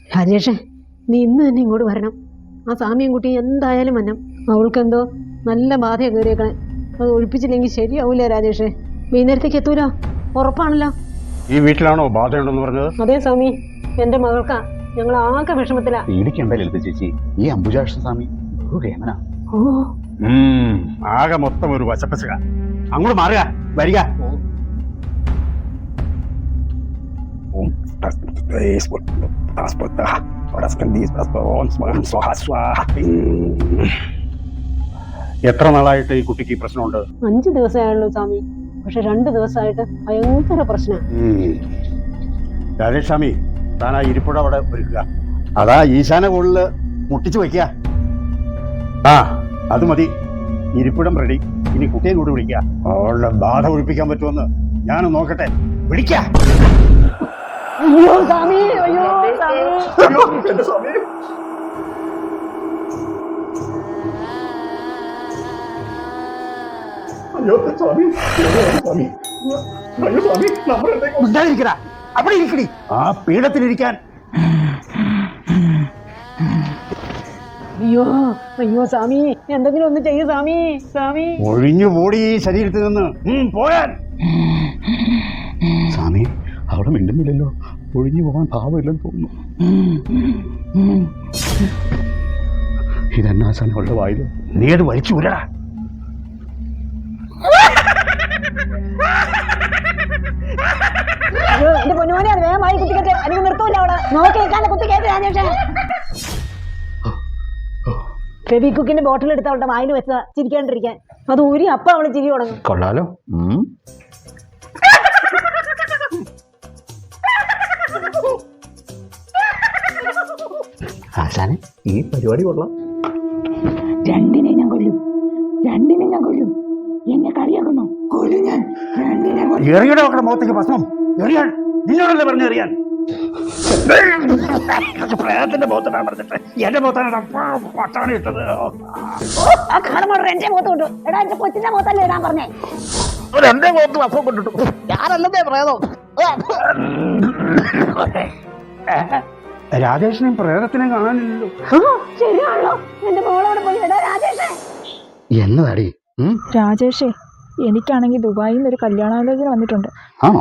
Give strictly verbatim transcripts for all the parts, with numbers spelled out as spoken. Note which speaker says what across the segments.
Speaker 1: രാജേഷേ, നീ ഇന്ന് തന്നെ ഇങ്ങോട്ട് വരണം. ആ സാമിയും കുട്ടി എന്തായാലും വന്നം. അവൾക്കെന്തോ നല്ല ബാധയാണ് കയറിയേക്കണേ. അത് ഒഴിപ്പിച്ചില്ലെങ്കിൽ ശരിയാവൂല രാജേഷേ. വൈകുന്നേരത്തേക്ക് എത്തൂല, ഉറപ്പാണല്ലോ.
Speaker 2: ഈ വീട്ടിലാണോ ബാധയുണ്ടെന്ന് പറഞ്ഞത്?
Speaker 1: അതെ സ്വാമി, എന്റെ മകൾക്കാ. ഞങ്ങൾ ആകെ വിഷമത്തിലാ.
Speaker 3: പേടിക്കണ്ട ലളിത ചേച്ചി, ഈ അംബുജാക്ഷ സ്വാമി ബഹുകേമനാ.
Speaker 1: ഓ,
Speaker 2: ആകെ മൊത്തം ഒരു വശപ്പശക. അങ്ങോട്ട് മാറുക, വരിക. എത്ര നാളായിട്ട് ഈ കുട്ടിക്ക് ഈ പ്രശ്നമുണ്ട്?
Speaker 1: അഞ്ചു ദിവസമായുള്ളൂ സ്വാമി. പക്ഷെ രണ്ടു ദിവസമായിട്ട് ഭയങ്കര പ്രശ്നം.
Speaker 2: രാജേഷ് സ്വാമി, താൻ ആ ഇരിപ്പുഴ അവിടെ ഒരുക്കുക. അതാ ഈശാന കൂടുതൽ മുട്ടിച്ചു വയ്ക്കുക. ആ അത് മതി, ഇരിപ്പിടം റെഡി. ഇനി കുട്ടിയെ കൂടി വിളിക്കുക. അവളുടെ ബാധ ഒഴിപ്പിക്കാൻ പറ്റുമെന്ന് ഞാനൊന്ന് നോക്കട്ടെ. വിളിക്ക.
Speaker 1: അയ്യോ സ്വാമി, അയ്യോ സ്വാമി.
Speaker 2: അവിടെ ഇരിക്കടി, ആ പീഠത്തിലിരിക്കാൻ.
Speaker 1: അയ്യോ അയ്യോ സ്വാമി, എന്തെങ്കിലും ഒന്ന് ചെയ്യൂ സ്വാമി. സ്വാമി
Speaker 2: ഒഴിഞ്ഞു പോടി ഈ ശരീരത്തിൽ നിന്ന്. പോയാൻ.
Speaker 3: സ്വാമി അവിടെ മിണ്ടുന്നില്ലല്ലോ. ഒഴിഞ്ഞു പോകാൻ ഭാവമില്ലെന്ന് തോന്നുന്നു. ഇതെന്നാശാനം അവളുടെ വായില്.
Speaker 2: നീ അത് വലിച്ചു വിടടാ.
Speaker 1: അയ്യോ എന്റെ പൊന്നുമോനെ, അത് വേഗമായി കുത്തിക്കട്ടെ. അല്ലെങ്കിൽ നിർത്തൂല അവള്. നോക്കി നിൽക്കാതെ കുത്തിക്കേട്ട് രാജേഷേ. ഫെബി കുക്കിന്റെ ബോട്ടിൽ എടുത്ത് അവളുടെ വായിൽ വെച്ചതാ ചിരിക്കാണ്ടിരിക്കാൻ. അത് ഊരി അപ്പൊ അവള് ചിരി തുടങ്ങും.
Speaker 3: കൊള്ളാലോ. ആശാനെ, ഈ പരിപാടി കൊള്ളാം.
Speaker 4: രണ്ടിനെ ഞാൻ കൊല്ലും, രണ്ടിനെ ഞാൻ കൊല്ലും. എന്നെ കളിയാക്കുന്നു. കൊല്ലും ഞാൻ, രണ്ടിനെ കൊല്ലും.
Speaker 2: എറിയട നോക്കണ മുഖത്തേക്ക് ഭസ്മം എറിയാൻ. നിന്നോടല്ലേ പറഞ്ഞെറിയാൻ? പ്രേതത്തിന്റെ മുഖത്താണ് പറഞ്ഞിട്ട് എന്റെ മുഖത്താണ് പട്ടാണ് ഇട്ടത്.
Speaker 4: എന്റെ മുഖത്ത് കൊണ്ടു. എടാ എന്റെ കൊച്ചിന്റെ മുഖത്തല്ലേ ഇടാൻ പറഞ്ഞേ.
Speaker 2: എന്റെ മുഖത്ത് ഭസ്മം കൊണ്ടിട്ടു.
Speaker 4: ഞാനല്ലേ പ്രേതം.
Speaker 2: രാജേഷിനെയും പ്രേതത്തിനെയും കാണാനില്ലല്ലോ.
Speaker 4: ശരിയാണല്ലോ, എന്റെ മോളോടെ പോയി. എടാ രാജേഷേ.
Speaker 3: എന്നതാടി?
Speaker 5: രാജേഷേ, എനിക്കാണെങ്കിൽ ദുബായിൽ നിന്ന് ഒരു കല്യാണാലോചന വന്നിട്ടുണ്ട്.
Speaker 3: ആണോ?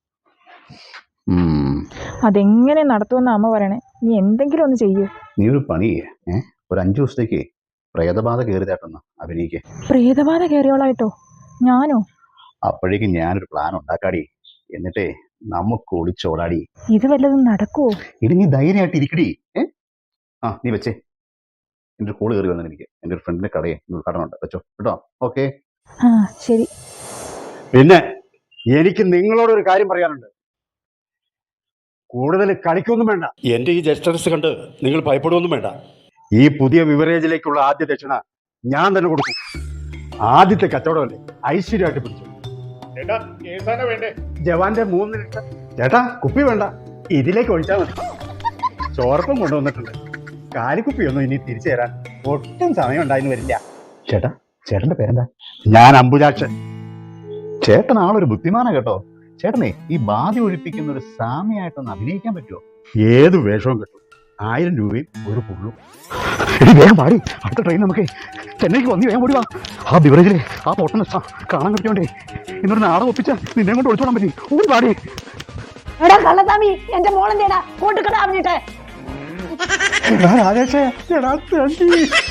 Speaker 5: അതെങ്ങനെ നടത്തുമെന്ന് അമ്മ പറയണേ. നീ എന്തെങ്കിലും ഒന്ന് ചെയ്യൂ.
Speaker 3: നീ ഒരു പണി ചെയ്യേ. ഏഹ് ഒരു അഞ്ചു ദിവസത്തേക്ക് പ്രേതബാധ കയറിയതായിട്ടൊന്ന് അഭിനയിക്കേ.
Speaker 5: പ്രേതബാധ കയറിയോളായിട്ടോ? ഞാനോ?
Speaker 3: അപ്പോഴേക്കും ഞാനൊരു പ്ലാൻ ഉണ്ടാക്കാടി. എന്നിട്ടേ നമുക്ക് ഒളിച്ചോടാടി.
Speaker 5: ഇത് വല്ലതും നടക്കുവോ?
Speaker 3: ഇനി നീ ധൈര്യമായിട്ട് ഇരിക്കടി. ഏ ആ നീ വെച്ചേ. എൻ്റെ ഒരു കോള് കയറി വന്നു എനിക്ക്. എൻ്റെ ഒരു ഫ്രണ്ടിന്റെ കടയെ ഉദ്ഘാടനമുണ്ട്. വെച്ചോ കേട്ടോ. ഓക്കെ.
Speaker 5: ആ ശരി.
Speaker 2: പിന്നെ എനിക്ക് നിങ്ങളോടൊരു കാര്യം പറയാനുണ്ട്. കൂടുതൽ കളിക്കൊന്നും വേണ്ട. എന്റെ ഈ ജസ്റ്റർസ് കണ്ട് നിങ്ങൾ ഭയപ്പെടുവൊന്നും വേണ്ട. ഈ പുതിയ ബിവറേജിലേക്കുള്ള ആദ്യ ദക്ഷിണ ഞാൻ തന്നെ കൊടുക്കും. ആദ്യത്തെ കച്ചവടമല്ലേ, ഐശ്വര്യമായിട്ട് പിടിച്ചു. ജവാന്റെ മൂന്ന് ലിറ്റർ. ചേട്ടാ കുപ്പി വേണ്ട, ഇതിലേക്ക് ഒഴിച്ചാൽ മതി. ചോർപ്പം കൊണ്ടുവന്നിട്ടുണ്ട്. കാലിക്കുപ്പിയൊന്നും ഇനി തിരിച്ചു തരാൻ ഒട്ടും സമയം ഉണ്ടായിന്ന് വരില്ല.
Speaker 3: ചേട്ടാ, ചേട്ടന്റെ പേരെന്താ?
Speaker 2: ഞാൻ അംബുജാക്ഷൻ.
Speaker 3: ചേട്ടൻ ആളൊരു ബുദ്ധിമാന കേട്ടോ. ചേട്ടനെ ഈ ബാധ ഒഴിപ്പിക്കുന്ന ഒരു സാമിയായിട്ടൊന്ന് അഭിനയിക്കാൻ പറ്റുമോ?
Speaker 2: ഏത് വേഷവും കിട്ടും. ആയിരം രൂപയും ഒരു പുള്ളും.
Speaker 3: വേഗം പാടി. അടുത്ത ട്രെയിൻ നമുക്ക് ചെന്നൈക്ക് വന്നി വേഗം ഓടി വാ. ആ ബിവറേജിലെ ആ പൊട്ടനെ കാണാൻ കിട്ടിയോണ്ടേ ഇന്നൊരു നാടകം ഒപ്പിച്ച നിന്നെ കൊണ്ട് ഒളിച്ചോടാൻ പറ്റി. ഓടി പാടി.
Speaker 4: എടാ കള്ളസ്വാമി, എന്റെ മോളെന്തേടാ കൂട്ടുകട അറിഞ്ഞിട്ട്.
Speaker 2: രാജേഷേ,